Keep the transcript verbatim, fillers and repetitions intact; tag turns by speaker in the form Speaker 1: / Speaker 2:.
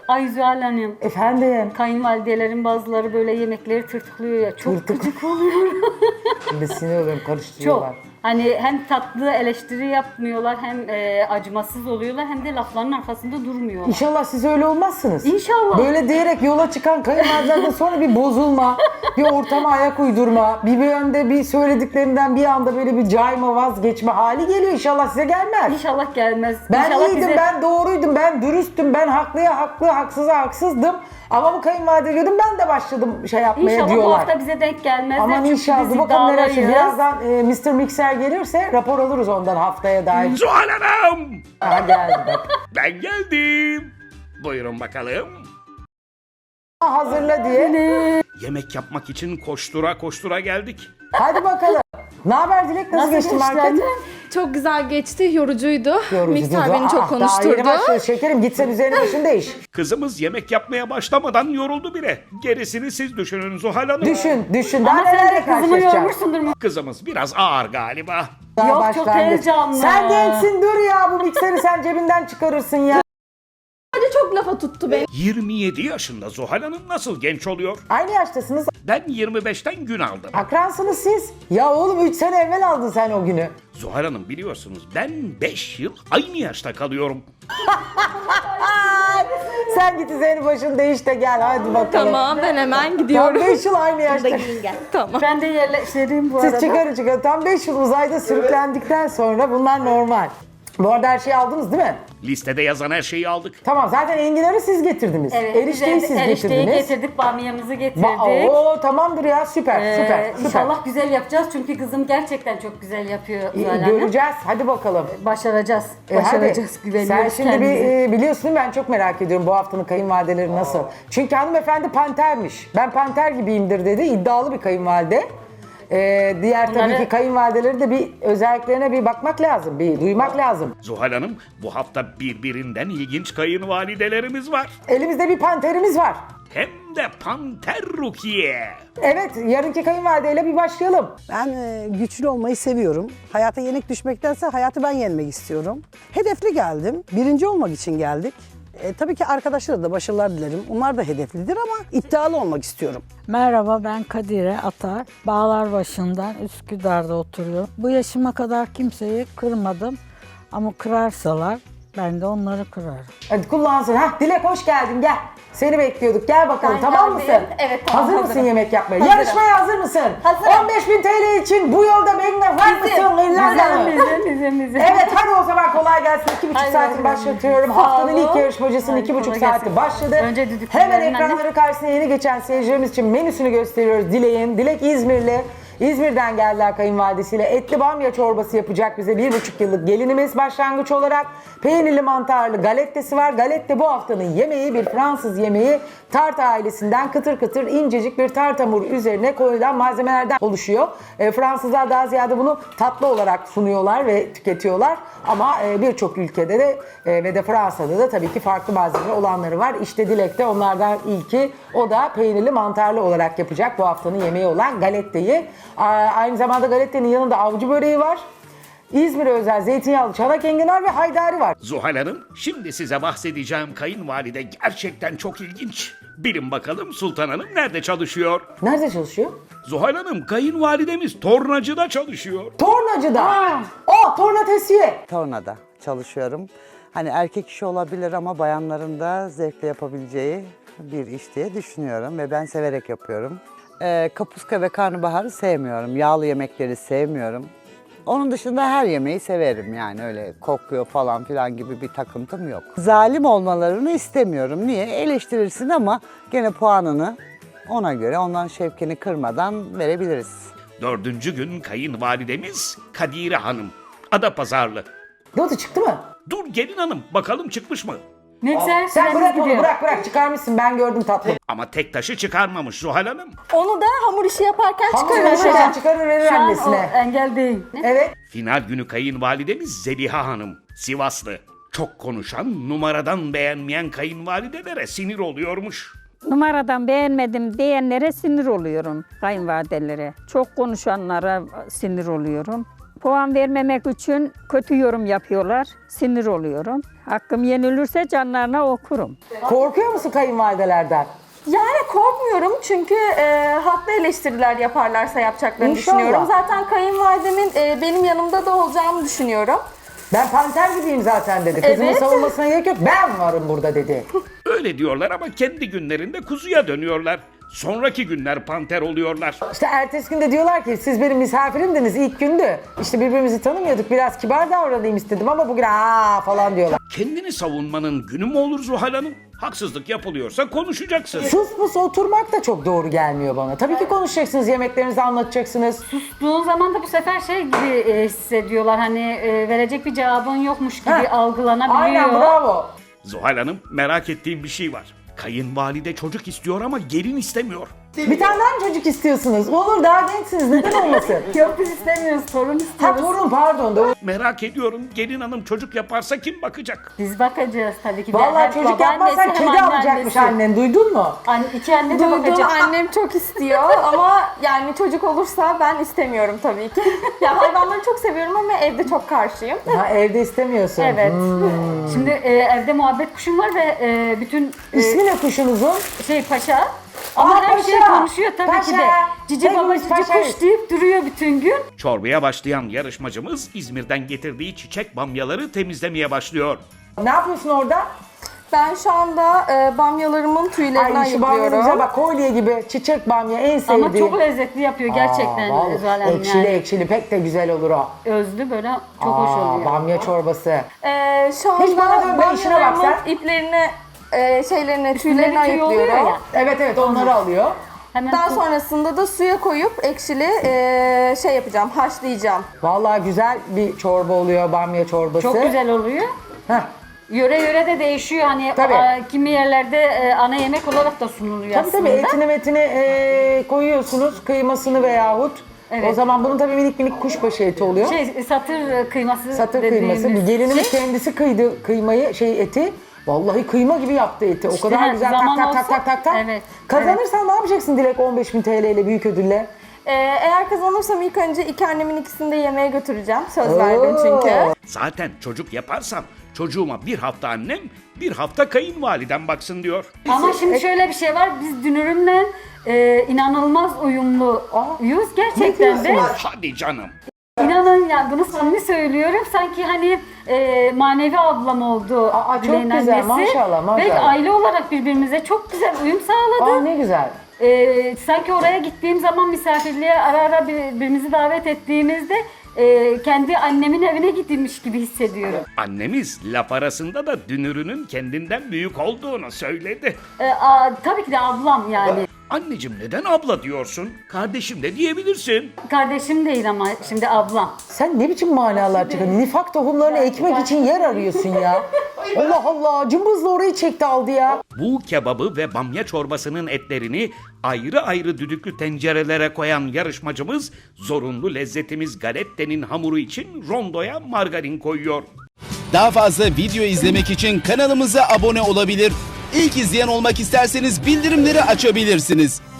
Speaker 1: Ay Zühal Hanım.
Speaker 2: Efendim?
Speaker 1: Kayınvalidelerin bazıları böyle yemekleri tırtıklıyor ya. Çok
Speaker 2: Tırtık-
Speaker 1: gıcık oluyor.
Speaker 2: Şimdi sinir oluyorum, karıştırıyorlar.
Speaker 1: Çok. Hani hem tatlı eleştiri yapmıyorlar hem e, acımasız oluyorlar hem de lafların arkasında durmuyorlar.
Speaker 2: İnşallah siz öyle olmazsınız.
Speaker 1: İnşallah.
Speaker 2: Böyle diyerek yola çıkan kayınvalidelerden sonra bir bozulma, bir ortama ayak uydurma, bir yönde bir söylediklerinden bir anda böyle bir cayma, vazgeçme hali geliyor. İnşallah size gelmez.
Speaker 1: İnşallah gelmez.
Speaker 2: Ben
Speaker 1: İnşallah
Speaker 2: iyiydim,
Speaker 1: bize-
Speaker 2: ben doğruydum, ben dürüsttüm, ben haklıya haklı, haksıza haksızdım. Ama bu kayınvalide diyordum, ben de başladım şey yapmaya
Speaker 1: İnşallah bu
Speaker 2: diyorlar.
Speaker 1: hafta bize denk gelmezler.
Speaker 2: Aman
Speaker 1: çünkü
Speaker 2: inşallah.
Speaker 1: biz
Speaker 2: Bakalım neler çıkacak.
Speaker 1: iddialıyız.
Speaker 2: Birazdan e, mister Mikser gelirse rapor alırız ondan haftaya dair.
Speaker 3: Zuhal Hanım!
Speaker 2: Aha geldi bak.
Speaker 3: Ben geldim. Buyurun bakalım.
Speaker 2: Hazırla diye.
Speaker 3: Yemek yapmak için koştura koştura geldik.
Speaker 2: Hadi bakalım. Ne haber Dilek? Nasıl,
Speaker 1: Nasıl
Speaker 2: geçti
Speaker 1: geçti
Speaker 2: market?
Speaker 1: anne?
Speaker 4: Çok güzel geçti, yorucuydu.
Speaker 2: Yorucu
Speaker 4: Mikser
Speaker 2: diyordu.
Speaker 4: beni çok
Speaker 2: Ah, Daha
Speaker 4: konuşturdu.
Speaker 2: yeni başlıyor şekerim. Gitsen üzerine başını değiş.
Speaker 3: Kızımız yemek yapmaya başlamadan yoruldu bile. Gerisini siz düşünün Zuhal Hanım.
Speaker 2: Düşün, düşün. Daha
Speaker 1: Ama sen
Speaker 2: nelerle
Speaker 1: de kızımı
Speaker 2: karşılaşacaksın?
Speaker 1: yormuşsundur mu?
Speaker 3: Kızımız biraz ağır galiba.
Speaker 2: Daha
Speaker 1: Yok, çok
Speaker 2: başlangıç.
Speaker 1: heyecanlı.
Speaker 2: Sen gençsin, dur ya. Bu mikseri sen cebinden çıkarırsın ya.
Speaker 4: Hadi çok lafa tuttu beni.
Speaker 3: yirmi yedi yaşında Zuhal Hanım nasıl genç oluyor?
Speaker 2: Aynı yaştasınız.
Speaker 3: Ben yirmi beşten gün aldım.
Speaker 2: Akransınız siz. Ya oğlum üç sene evvel aldın sen o günü.
Speaker 3: Zuhal Hanım biliyorsunuz ben beş yıl aynı yaşta kalıyorum.
Speaker 2: Ay, sen git üzerine başını değiş de gel hadi bakalım.
Speaker 4: Tamam, ben hemen
Speaker 2: Tam
Speaker 4: gidiyorum.
Speaker 2: beş yıl aynı yaşta.
Speaker 4: Tamam.
Speaker 1: Ben de yerleştireyim bu
Speaker 2: Siz
Speaker 1: arada.
Speaker 2: çıkarın çıkarın. Tam beş yıl uzayda sürüklendikten sonra bunlar normal. Bu arada her şeyi aldınız değil mi?
Speaker 3: Listede yazan her şeyi aldık.
Speaker 2: Tamam zaten enginarı siz getirdiniz.
Speaker 1: Evet,
Speaker 2: Erişteyi
Speaker 1: biz
Speaker 2: siz
Speaker 1: erişteyi
Speaker 2: getirdiniz.
Speaker 1: getirdik, bamyamızı getirdik.
Speaker 2: Ba- Oo tamamdır ya süper
Speaker 1: Ee,
Speaker 2: süper süper.
Speaker 1: İnşallah güzel yapacağız çünkü kızım gerçekten çok güzel yapıyor
Speaker 2: İyi,
Speaker 1: Zuhal Hanım.
Speaker 2: göreceğiz hadi bakalım.
Speaker 1: Başaracağız.
Speaker 2: E,
Speaker 1: Başaracağız.
Speaker 2: hadi.
Speaker 1: Güveniyoruz
Speaker 2: Sen şimdi bir,
Speaker 1: kendimize.
Speaker 2: e, biliyorsun ben çok merak ediyorum bu haftanın kayınvalideleri nasıl. Çünkü hanımefendi pantermiş. Ben panter gibiyimdir dedi. İddialı bir kayınvalide. Ee, diğer tabii
Speaker 1: Bunları-
Speaker 2: ki kayınvalideleri de bir özelliklerine bir bakmak lazım. Bir duymak lazım.
Speaker 3: Zuhal Hanım bu hafta birbirinden ilginç kayınvalidelerimiz var.
Speaker 2: Elimizde bir panterimiz var.
Speaker 3: Hem de Panter Rukiye.
Speaker 2: Evet yarınki kayınvalideyle bir başlayalım.
Speaker 5: Ben e, güçlü olmayı seviyorum. Hayata yenik düşmektense hayatı ben yenmek istiyorum. Hedefli geldim. Birinci olmak için geldik. E, tabii ki arkadaşlara da başarılar dilerim. Onlar da hedeflidir ama iddialı olmak istiyorum.
Speaker 6: Merhaba, ben Kadire Atar. Bağlarbaşı'ndan Üsküdar'da oturuyorum. Bu yaşıma kadar kimseyi kırmadım ama kırarsalar ben de onları kırarım.
Speaker 2: Hadi kullansın. Hah Dilek hoş geldin gel. Seni bekliyorduk. Gel bakalım
Speaker 1: Ben
Speaker 2: tamam
Speaker 1: geldim.
Speaker 2: mısın?
Speaker 1: Evet, tamam,
Speaker 2: Hazır mısın
Speaker 1: hazırım.
Speaker 2: yemek yapmaya?
Speaker 1: Hazırım.
Speaker 2: Yarışmaya hazır mısın?
Speaker 1: Hazırım.
Speaker 2: on beş bin T L için bu yolda benimle var mısın? İrlanda'lı?
Speaker 1: Bizim, bizim, bizim.
Speaker 2: Evet hadi o zaman kolay gelsin. İki buçuk
Speaker 1: Hadi
Speaker 2: saatini
Speaker 1: bakalım.
Speaker 2: başlatıyorum.
Speaker 1: Sağ
Speaker 2: Haftanın
Speaker 1: olun.
Speaker 2: ilk yarışmacısının
Speaker 1: Hadi
Speaker 2: iki buçuk
Speaker 1: kolay
Speaker 2: saati
Speaker 1: gelsin.
Speaker 2: başladı.
Speaker 1: Önce düdüklü
Speaker 2: Hemen
Speaker 1: verin anne.
Speaker 2: ekranları karşısına yeni geçen seyircilerimiz için menüsünü gösteriyoruz. Dilek'in. Dilek İzmirli. İzmir'den geldiler kayınvalidesiyle. Etli bamya çorbası yapacak bize bir buçuk yıllık gelinimiz başlangıç olarak. Peynirli mantarlı galettesi var. Galette bu haftanın yemeği bir Fransız yemeği. Tart ailesinden kıtır kıtır incecik bir tart hamuru üzerine koyulan malzemelerden oluşuyor. E, Fransızlar daha ziyade bunu tatlı olarak sunuyorlar ve tüketiyorlar. Ama e, birçok ülkede de e, ve de Fransa'da da tabii ki farklı malzeme olanları var. İşte Dilek de onlardan ilki. O da peynirli mantarlı olarak yapacak bu haftanın yemeği olan galetteyi. A, aynı zamanda galettenin yanında avcı böreği var. İzmir'e özel zeytinyağlı çanak enginar ve haydari var.
Speaker 3: Zuhal Hanım, şimdi size bahsedeceğim kayınvalide gerçekten çok ilginç. Bilin bakalım Sultan Hanım nerede çalışıyor?
Speaker 2: Nerede çalışıyor?
Speaker 3: Zuhal Hanım, kayınvalidemiz tornacıda çalışıyor.
Speaker 2: Tornacıda. Oh tornatesiye.
Speaker 7: Tornada çalışıyorum. Hani erkek işi olabilir ama bayanların da zevkle yapabileceği bir iş diye düşünüyorum ve ben severek yapıyorum. Ee, kapuska ve karnabaharı sevmiyorum. Yağlı yemekleri sevmiyorum. Onun dışında her yemeği severim yani öyle kokuyor falan filan gibi bir takıntım yok. Zalim olmalarını istemiyorum. Niye? Eleştirirsin ama gene puanını ona göre ondan şevkini kırmadan verebiliriz.
Speaker 3: Dördüncü gün kayınvalidemiz Kadire Hanım. Adapazarlı.
Speaker 2: Notu çıktı mı?
Speaker 3: Dur gelin hanım, bakalım çıkmış mı?
Speaker 1: Mikser
Speaker 2: Sen
Speaker 1: süremiz
Speaker 2: bırak onu
Speaker 1: gidiyor.
Speaker 2: bırak bırak çıkarmışsın ben gördüm tatlım.
Speaker 3: Ama tek taşı çıkarmamış Zuhal Hanım.
Speaker 4: Onu da hamur işi yaparken
Speaker 2: Hamur
Speaker 4: çıkarırım.
Speaker 2: çıkarır, çıkarır verir
Speaker 1: Şu an o
Speaker 2: annesine.
Speaker 1: engel değil.
Speaker 2: Evet.
Speaker 3: Final günü kayınvalidemiz Zeliha Hanım. Sivaslı. Çok konuşan, numaradan beğenmeyen kayınvalidelere sinir oluyormuş.
Speaker 6: Numaradan beğenmedim diyenlere sinir oluyorum, kayınvalidelere. Çok konuşanlara sinir oluyorum.
Speaker 8: puan vermemek için kötü yorum yapıyorlar. Sinir oluyorum. Hakkım yenilirse canlarına okurum.
Speaker 2: Korkuyor musun kayınvalidelerden?
Speaker 4: Yani korkmuyorum çünkü e, haklı eleştiriler yaparlarsa yapacaklarını
Speaker 2: İnşallah.
Speaker 4: düşünüyorum. Zaten kayınvalidemin e, benim yanımda da olacağımı düşünüyorum.
Speaker 2: Ben panter gibiyim zaten dedi. Kızımın
Speaker 4: Evet.
Speaker 2: savunmasına gerek yok. Ben varım burada dedi.
Speaker 3: Öyle diyorlar ama kendi günlerinde kuzuya dönüyorlar. Sonraki günler panter oluyorlar.
Speaker 2: İşte ertesi günde diyorlar ki siz benim misafirimdiniz ilk gündü. İşte birbirimizi tanımıyorduk. Biraz kibar davranayım istedim ama bugün aa falan diyorlar.
Speaker 3: Kendini savunmanın günü mü olur Zuhal Hanım? Haksızlık yapılıyorsa konuşacaksın.
Speaker 2: Sus pus oturmak da çok doğru gelmiyor bana. Tabii ki konuşacaksınız, yemeklerinizi anlatacaksınız.
Speaker 1: Sustuğun zaman da bu sefer şey gibi e, hissediyorlar. Hani e, verecek bir cevabın yokmuş gibi
Speaker 2: Heh.
Speaker 1: algılanabiliyor.
Speaker 2: Aynen bravo.
Speaker 3: Zuhal Hanım, merak ettiğim bir şey var. Kayınvalide çocuk istiyor ama gelin istemiyor.
Speaker 2: Bir tane daha mı çocuk istiyorsunuz? Olur daha gençsiniz neden olmasın?
Speaker 1: Yok biz istemiyoruz, torun
Speaker 2: Ha
Speaker 1: istiyoruz.
Speaker 2: torun pardon. Doğru.
Speaker 3: Merak ediyorum, gelin hanım çocuk yaparsa kim bakacak?
Speaker 1: Biz bakacağız tabii ki de.
Speaker 2: Vallahi
Speaker 1: Hem
Speaker 2: çocuk
Speaker 1: babaannesi
Speaker 2: yapmazsan
Speaker 1: hem
Speaker 2: kedi
Speaker 1: anneannesi.
Speaker 2: alacakmış annen duydun mu?
Speaker 1: An iki anne de
Speaker 4: Duydum,
Speaker 1: bakacak.
Speaker 4: annem çok istiyor ama yani çocuk olursa ben istemiyorum tabii ki. Ya hayvanları çok seviyorum ama evde çok karşıyım.
Speaker 2: Ha evde istemiyorsun.
Speaker 1: Evet.
Speaker 2: Hmm.
Speaker 1: Şimdi e, evde muhabbet kuşum var ve e, bütün e,
Speaker 2: İsmi ne kuşunuzun?
Speaker 1: şey paşa. Ama
Speaker 2: Aa,
Speaker 1: her
Speaker 2: paşa.
Speaker 1: şeyi konuşuyor tabii ki de.
Speaker 2: Paşa.
Speaker 1: Cici baba
Speaker 2: Hepimiz
Speaker 1: cici
Speaker 2: paşayız.
Speaker 1: kuş deyip duruyor bütün gün.
Speaker 3: Çorbaya başlayan yarışmacımız İzmir'den getirdiği çiçek bamyaları temizlemeye başlıyor.
Speaker 2: Ne yapıyorsun orada?
Speaker 4: Ben şu anda e, bamyalarımın tüylerinden
Speaker 2: Ay şu bamyanıza
Speaker 4: yapıyorum.
Speaker 2: bak kolye gibi çiçek bamya en sevdiğim.
Speaker 1: Ama çok lezzetli yapıyor gerçekten
Speaker 2: Aa, vallahi
Speaker 1: Zuhal Hanım
Speaker 2: ekşili
Speaker 1: yani.
Speaker 2: ekşili pek de güzel olur o.
Speaker 1: Özlü böyle çok hoş
Speaker 2: Aa,
Speaker 1: oluyor.
Speaker 2: bamya çorbası.
Speaker 4: E, şu anda
Speaker 2: Hiç bana dönme, işine bak
Speaker 4: bamyalarımın
Speaker 2: sen.
Speaker 4: iplerini, e, şeylerini, tüylerini
Speaker 1: tüy oluyor
Speaker 4: ayıklıyorum.
Speaker 1: ya.
Speaker 2: Evet evet onları alıyor.
Speaker 1: Hemen
Speaker 4: Daha
Speaker 1: su-
Speaker 4: sonrasında da suya koyup ekşili e, şey yapacağım, haşlayacağım.
Speaker 2: Vallahi güzel bir çorba oluyor bamya çorbası.
Speaker 1: çok güzel oluyor.
Speaker 2: Heh.
Speaker 1: Yöre yöre de değişiyor hani
Speaker 2: Tabii.
Speaker 1: a, kimi yerlerde e, ana yemek olarak da sunuluyor
Speaker 2: Tabii
Speaker 1: aslında.
Speaker 2: tabii etini metini e, koyuyorsunuz kıymasını veyahut.
Speaker 1: Evet.
Speaker 2: O zaman bunun tabii minik minik kuşbaşı eti oluyor.
Speaker 1: Şey satır kıyması
Speaker 2: Satır
Speaker 1: dediğimiz
Speaker 2: kıyması. Gelinimiz
Speaker 1: şey.
Speaker 2: kendisi kıydı kıymayı şey eti. Vallahi kıyma gibi yaptı eti. O
Speaker 1: İşte
Speaker 2: kadar
Speaker 1: ha,
Speaker 2: güzel tak
Speaker 1: zaman
Speaker 2: tak tak
Speaker 1: olsa-
Speaker 2: tak tak tak.
Speaker 1: Evet,
Speaker 2: Kazanırsan ne yapacaksın Dilek on beş bin T L ile büyük ödülle?
Speaker 4: E, eğer kazanırsam ilk önce iki annemin ikisini de yemeğe götüreceğim. Söz verdim çünkü.
Speaker 3: Zaten çocuk yaparsam çocuğuma bir hafta annem, bir hafta kayınvalidem baksın diyor.
Speaker 1: Ama şimdi şöyle bir şey var. Biz dünürümle e, inanılmaz uyumluyuz gerçekten de.
Speaker 3: Hadi canım.
Speaker 1: İnanın yani bunu samimi söylüyorum. Sanki hani e, manevi ablam oldu.
Speaker 2: Aa, çok
Speaker 1: Dileğin
Speaker 2: güzel,
Speaker 1: annesi.
Speaker 2: maşallah, maşallah.
Speaker 1: Ve aile olarak birbirimize çok güzel uyum sağladık.
Speaker 2: Aa ne güzel.
Speaker 1: Ee, sanki oraya gittiğim zaman misafirliğe ara ara birbirimizi davet ettiğimizde e, kendi annemin evine gitmiş gibi hissediyorum.
Speaker 3: Annemiz laf arasında da dünürünün kendinden büyük olduğunu söyledi.
Speaker 1: Ee, a, tabii ki de ablam yani.
Speaker 3: Anneciğim neden abla diyorsun? Kardeşim de diyebilirsin.
Speaker 1: Kardeşim değil ama şimdi ablam.
Speaker 2: Sen ne biçim manalar çıkardın? Nifak tohumlarını ekmek için yer arıyorsun ya. Allah Allah cımbızla orayı çekti aldı ya.
Speaker 3: Bu kebabı ve bamya çorbasının etlerini ayrı ayrı düdüklü tencerelere koyan yarışmacımız zorunlu lezzetimiz galettenin hamuru için rondoya margarin koyuyor.
Speaker 9: Daha fazla video izlemek için kanalımıza abone olabilir. İlk izleyen olmak isterseniz bildirimleri açabilirsiniz.